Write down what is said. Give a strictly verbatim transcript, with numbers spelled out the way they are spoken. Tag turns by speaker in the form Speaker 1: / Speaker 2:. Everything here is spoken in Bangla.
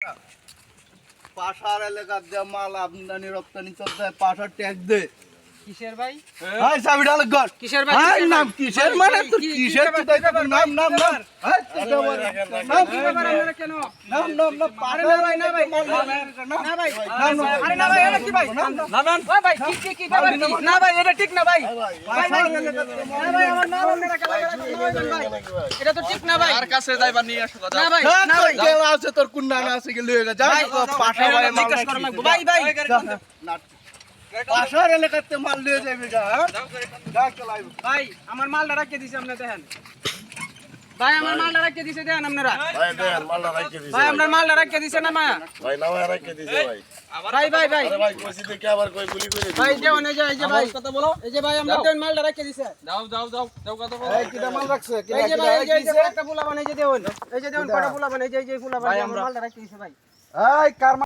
Speaker 1: পাশার এলাকার যে মাল আমদানি রপ্তানি চলছে পাশার ট্যাক্স দে
Speaker 2: কিসের ভাই?
Speaker 1: হাই চাবি ডাল গর
Speaker 2: কিসের ভাই?
Speaker 1: হাই নাম কিসের মানে তো কিসের তো তাই নাম নাম নাম হাই নাম
Speaker 2: কি ব্যাপার আপনারা কেন?
Speaker 1: নাম নাম না
Speaker 2: আরে
Speaker 1: পাশার
Speaker 2: না ভাই, না ভাই, না ভাই, আরে না ভাই, এটা কি ভাই?
Speaker 1: না না
Speaker 2: ভাই ভাই, কি কি কি ব্যাপার কি? না ভাই, এটা ঠিক না ভাই।
Speaker 1: পাশার এলাকার
Speaker 2: না ভাই, আমার নাম আপনারা কেন বলবেন ভাই? এটা তো ঠিক না ভাই।
Speaker 3: আর কাছে যাইবা নিয়ে আসো কথা
Speaker 2: না ভাই,
Speaker 1: না
Speaker 2: না ভাই।
Speaker 1: কেউ আছে তোর কুন্না না আছে কি লয়ে যা পাশা ভাই মাল
Speaker 2: জিজ্ঞেস করা লাগবে। ভাই ভাই,
Speaker 1: পাশার এলাকাতে মাল লয়ে যাবে যা যা চলাইব
Speaker 2: ভাই, আমার মালটা রাখিয়ে দিছে আপনি দেখেন। ভাই, আমার মালটা রাখিয়ে দিছে দেখেন আপনারা।
Speaker 4: ভাই দেন মালটা রাখকে দিছে
Speaker 2: ভাই, আপনার মালটা রাখিয়ে দিছে না মা?
Speaker 4: ভাই নাও রাখকে দিছে ভাই
Speaker 2: ভাই ভাই ভাই
Speaker 4: আরে ভাই কইছি দেখে আবার কই গুলি করে দিছে
Speaker 2: ভাই দেওন এই যে এই যে ভাই
Speaker 3: কথা বলো
Speaker 2: এই যে ভাই আমরা দেন মালটা রাখিয়ে দিছে।
Speaker 3: যাও যাও যাও যাও কথা বলো
Speaker 1: এই কিটা মাল রাখছে কিটা
Speaker 2: এই যে ভাই এই যে এই যে
Speaker 1: কিটা
Speaker 2: একটা ফুলা বানাই যে দেওন এই যে দেওন কটা ফুলা বানাই যে এই যে ফুলা বানাই আমার মালটা রাখিয়ে দিছে ভাই।
Speaker 1: এই কার